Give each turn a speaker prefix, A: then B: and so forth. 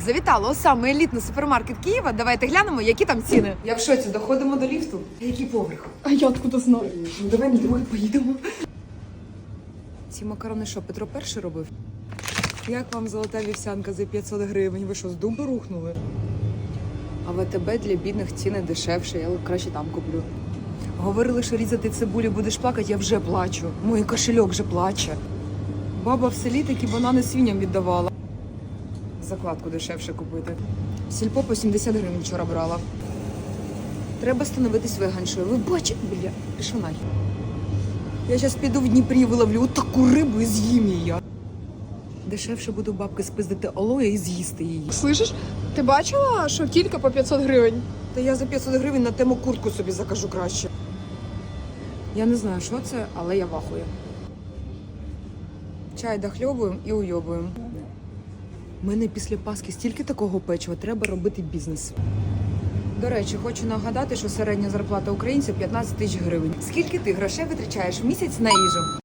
A: Завітала у самий елітний супермаркет Києва. Давайте глянемо, які там ціни. Я в шоці, доходимо до ліфту. Який поверх?
B: А я откуда знаю?
A: Ну давай на другий поїдемо. Ці макарони що, Петро І робив? Як вам золота вівсянка за 500 гривень? Ви що, з дубу рухнули? А ВТБ для бідних ціни дешевше, я краще там куплю. Говорили, що різати цибулю будеш плакати, я вже плачу. Мій кошельок вже плаче. Баба в селі такі банани свиням віддавала. Закладку дешевше купити. Сільпо по 70 гривень вчора брала. Треба становитись веганшою. Ви бачите, бля, пішов нахер. Я зараз піду в Дніпрі, виловлю таку рибу і з'їм її. Дешевше буду бабки спиздити олоя і з'їсти її.
B: Слышиш? Ти бачила, що кілька по 500 гривень?
A: Та я за 500 гривень на тему куртку собі закажу краще. Я не знаю, що це, але я вахую. Чай дохльобуємо і уйобуємо. У мене після Пасхи стільки такого печива, треба робити бізнес. До речі, хочу нагадати, що середня зарплата українців 15 тисяч гривень. Скільки ти грошей витрачаєш в місяць на їжу?